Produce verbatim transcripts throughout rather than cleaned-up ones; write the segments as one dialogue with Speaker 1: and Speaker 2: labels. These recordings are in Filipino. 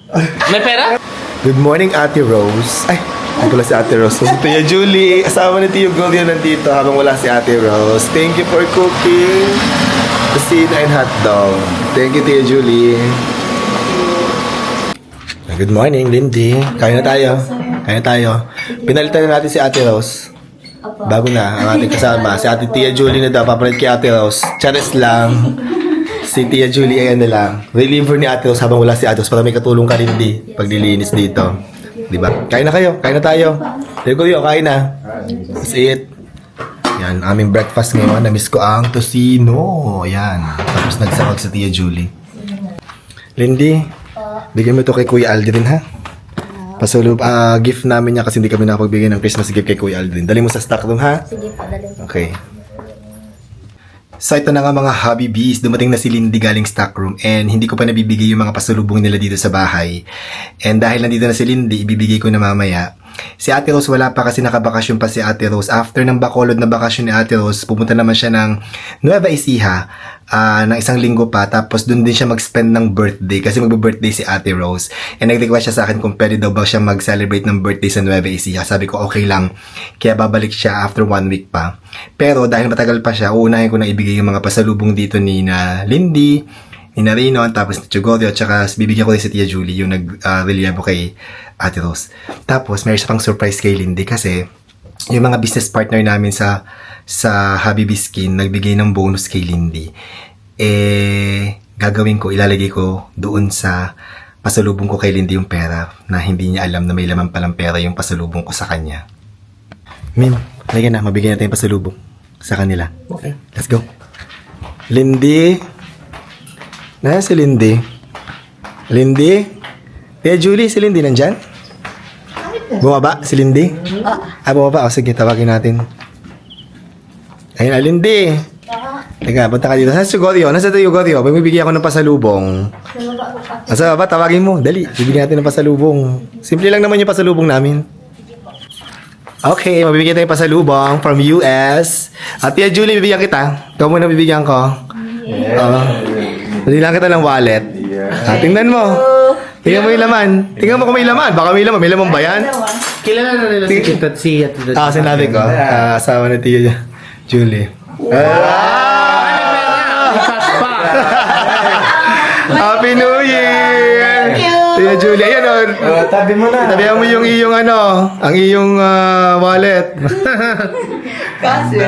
Speaker 1: May pera?
Speaker 2: Good morning, Ate Rose. Ay, hindi pala si Ate Rose. Si Tia Julie, asawa ni Tio Gloria nandito habang wala si Ate Rose. Thank you for cooking kusina and hotdog. Thank you, Tia Julie. Good morning, Lindy. Kain na tayo. Kain na tayo. Pinalitan na natin si Ate Rose. Bago na ang ating kasama. Si Ate Tia Julie na daw. Papalit kay Ate Rose. Charis lang. Si Tia Julie ayan na lang. Reliever ni Ate Rose habang wala si Ate Rose para may katulong ka rin di paglilinis dito. Diba? Kain na kayo. Kain na tayo. Tayo ko yun. Kain na. Let's eat. Yan. Aming breakfast ngayon. Namiss ko ang tocino. Yan. Tapos nagsakag sa Tia Julie. Lindy, bigyan mo ito kay Kuya Aldrin ha. Pasulub, uh, gift namin niya kasi hindi kami nakapagbigay ng Christmas gift kay Kuya Aldrin. Dali mo sa stock room ha?
Speaker 3: Sige po, dali.
Speaker 2: Okay. So ito na nga mga hobby bees, dumating na si Lindy galing stock room and hindi ko pa nabibigay yung mga pasalubong nila dito sa bahay. And dahil nandito na si Lindy, ibibigay ko na mamaya. Si Ate Rose wala pa kasi nakabakasyon pa si Ate Rose. After ng Bacolod na bakasyon ni Ate Rose, pumunta naman siya ng Nueva Ecija uh, ng isang linggo pa. Tapos doon din siya mag-spend ng birthday kasi magbe-birthday si Ate Rose. And nag-request siya sa akin kung pwede daw ba siya mag-celebrate ng birthday sa Nueva Ecija. Sabi ko okay lang. Kaya babalik siya after one week pa. Pero dahil matagal pa siya, uunahin ko na ibigay yung mga pasalubong dito ni na Lindy, ni Narino, tapos ni Chugorio, at saka bibigyan ko rin si Tia Julie yung nag-reliable uh, kay Ate Rose. Tapos, mayroon siya pang surprise kay Lindy kasi yung mga business partner namin sa sa Habibi Skin nagbigay ng bonus kay Lindy. Eh, gagawin ko, ilalagay ko doon sa pasalubong ko kay Lindy yung pera na hindi niya alam na may laman palang pera yung pasalubong ko sa kanya. Mim, halika na, mabigyan natin yung pasalubong sa kanila. Okay. Let's go. Lindy. Nasaan si Lindy? Lindy? Tia Julie, si Lindy nandyan? Bumaba si Lindy? Ah, bumaba. O sige, tawagin natin. Ayun na, Lindy. Teka, punta ka dito. Nasaan si Gorio? Nasaan si Gorio? Bibigyan ako ng pasalubong. Nasa baba, tawagin mo. Dali, bibigyan natin ng pasalubong. Simple lang naman yung pasalubong namin. Okay, mabibigyan tayo ng pasalubong from U S. At Tia Julie, bibigyan kita. Ikaw muna bibigyan ko. Yeah. Uh, Hindi lang kita ng wallet. Ah, tingnan mo. Tingnan mo yung laman. Tingnan mo kung may laman. Baka may laman. May laman ba yan?
Speaker 1: Kilala na nila si Tito at si Tito.
Speaker 2: Ah, sinabi ko. Ah, asawa ni Tia Julie. Ah! Happy New Year! Tia Julie. Ayan o.
Speaker 4: Uh, tabi mo na.
Speaker 2: Tabihan mo yung iyong ano, ang iyong uh, wallet.
Speaker 3: Kasi.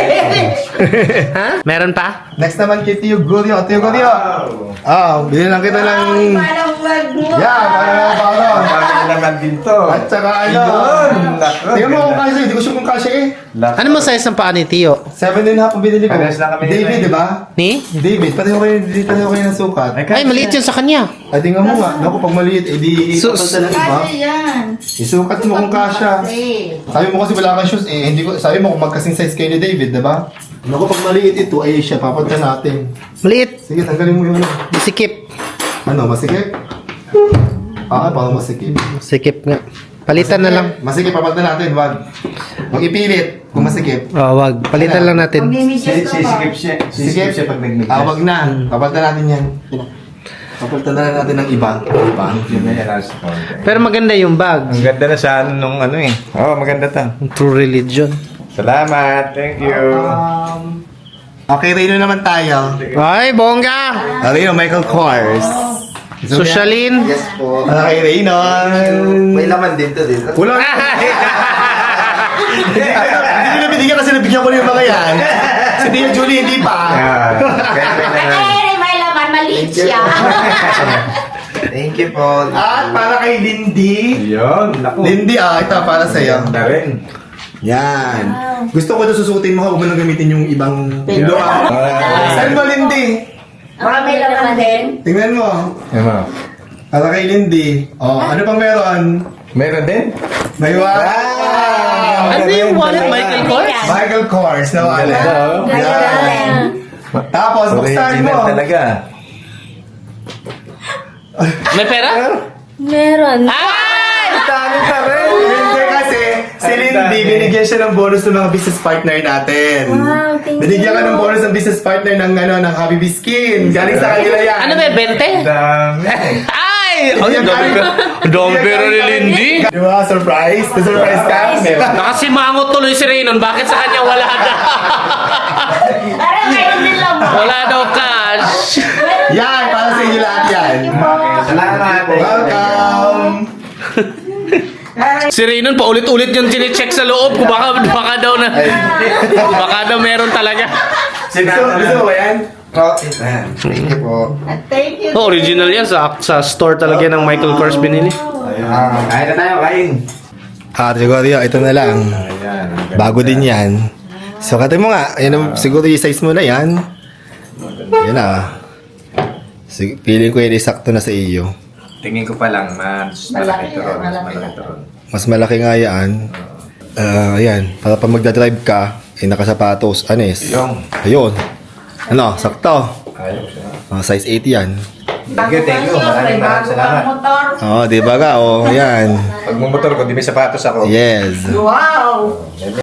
Speaker 1: Ha? Meron pa?
Speaker 2: Next naman kay Tio Glorio. Tio Glorio. Ah, oh, bilhin lang kita ng...
Speaker 3: Parang wag mo.
Speaker 2: Yeah, parang lang parang.
Speaker 4: Parang naman din to.
Speaker 2: At saka ano. Tingnan mo kung kasya. Hindi ko sure kung kasya eh.
Speaker 1: Ano mo size ng paa ni Tio?
Speaker 2: Seven and a half ang binili ko.
Speaker 4: Parehas lang kami nito
Speaker 2: David,
Speaker 4: eh.
Speaker 2: di ba?
Speaker 1: Ni?
Speaker 2: David, pareho kayo, pareho kayo ng sukat.
Speaker 1: Ay, maliit yun sa kanya.
Speaker 2: Ay, tingnan mo nga. Naku, pag maliit, edi
Speaker 1: So-
Speaker 2: ipapalta ng iba.
Speaker 3: Kasi yan.
Speaker 2: Isukat mo kung kasya. Sabi mo kasi wala kang shoes eh. Hindi ko, sabi mo kung magkasing size kayo ni David, di ba? Naku, pag maliit ito, ay siya, papalta natin.
Speaker 1: Maliit.
Speaker 2: Sige, tanggalin mo yung ano.
Speaker 1: Sikip.
Speaker 2: Ano, masikip? Ah, parang masikip.
Speaker 1: Sikip nga. Palitan na lang.
Speaker 2: Masikip, papalta natin, wag. Huwag ipilit kung masikip.
Speaker 1: Oh, wag. Palitan lang natin.
Speaker 4: Si- Sisikip siya. Sisikip siya pag nagmiglas.
Speaker 2: Ah, wag na. Papalta natin yan. Papalta na lang natin ng iba. Iba.
Speaker 4: Yun na yan, last one.
Speaker 1: Pero maganda yung bag.
Speaker 4: Ang ganda na sa ano nung ano eh. Oo, oh, maganda to.
Speaker 1: True religion.
Speaker 4: Salamat. Thank you.
Speaker 2: Um, okay, Reno naman tayo.
Speaker 1: Ay, bongga!
Speaker 2: Ah, Reno, Michael Kors.
Speaker 1: Socialin.
Speaker 2: Yes po. Okay, Reno.
Speaker 5: May laman din to dito.
Speaker 2: Wala. Hindi nila binigyan kasi nabigyan ko na yung mga yan. Si Tia Julie, hindi pa.
Speaker 4: Yeah. Kaya may naman.
Speaker 3: Ay, may laman. Maliit siya.
Speaker 5: Thank you po.
Speaker 2: At para kay Lindy.
Speaker 4: Yun. Naku.
Speaker 2: Lindy, ah, ito para sa'yo.
Speaker 4: Ganda rin.
Speaker 2: Yan. Gusto ko ito susutin mo ha. Huwag mo nang gamitin yung ibang pilo. ah. Saan mo, Lindy?
Speaker 3: Baka may laman din.
Speaker 2: Tingnan mo.
Speaker 4: Yan mo.
Speaker 2: Para kay Lindy. Oh, ano pang meron?
Speaker 4: Meron din?
Speaker 2: May wallet.
Speaker 1: Ano yung wallet, Michael Kors?
Speaker 2: Michael Kors na wallet.
Speaker 4: Ganda,
Speaker 2: Yan. Tapos, buksan mo.
Speaker 4: Original talaga.
Speaker 1: May pera?
Speaker 3: Meron.
Speaker 1: Ay!
Speaker 4: Dami pa rin.
Speaker 2: Hindi kasi, si Lindy, binigyan siya ng bonus ng mga business partner natin.
Speaker 3: Wow, thank
Speaker 2: Binigyan ka
Speaker 3: you.
Speaker 2: ng bonus ng business partner ng ano ng Habibi Skin. Galing sa kanila yan.
Speaker 1: Ano ba, bente?
Speaker 4: Dami.
Speaker 1: Ay! Ay! Ay, ang dami pera. Ang dami pera ni Lindy.
Speaker 2: Di ba? Surprise? Na-surprise ka?
Speaker 1: Nakasimangot tuloy si Raynon. Bakit sa kanya wala daw?
Speaker 3: Parang mayroon din lang ba?
Speaker 1: Wala daw cash.
Speaker 2: Yan! Para sa inyo lahat yan.
Speaker 5: Salamat.
Speaker 2: Welcome!
Speaker 1: Si Raynon, paulit-ulit yung chinecheck sa loob. Kung baka, baka daw na... Baka daw meron talaga.
Speaker 2: Gusto, gusto mo ba yan?
Speaker 5: Okay. Thank you po.
Speaker 3: Thank you.
Speaker 1: Oh, original yan. Sa, sa store talaga ng Michael Kors binili.
Speaker 5: Ah, kain na tayo, kain.
Speaker 2: Ah, siguro yun. Ito na lang.
Speaker 5: Ayan.
Speaker 2: Bago din yan. So, kata mo nga. Yan ang, siguro yung size mo na yan. Yan ah. Sig- Feeling ko yan isakto na sa iyo.
Speaker 4: Tingin ko pa lang, mas malaki ito ron. Mas malaki ito ron.
Speaker 2: Mas malaki nga yan. Ah, ayan. Para pag magdadrive ka, eh, nakasapatos. Anes.
Speaker 4: Yung.
Speaker 2: Ayun. Ano, sakto.
Speaker 4: Ayos siya.
Speaker 2: Ah, size eight yan.
Speaker 4: Thank you, thank you. Maraming maraming salamat.
Speaker 3: Motor.
Speaker 2: Oh, di ba ka? Oh, ayan.
Speaker 4: Pag mumotor ko, di may sapatos ako.
Speaker 2: Yes.
Speaker 3: Wow.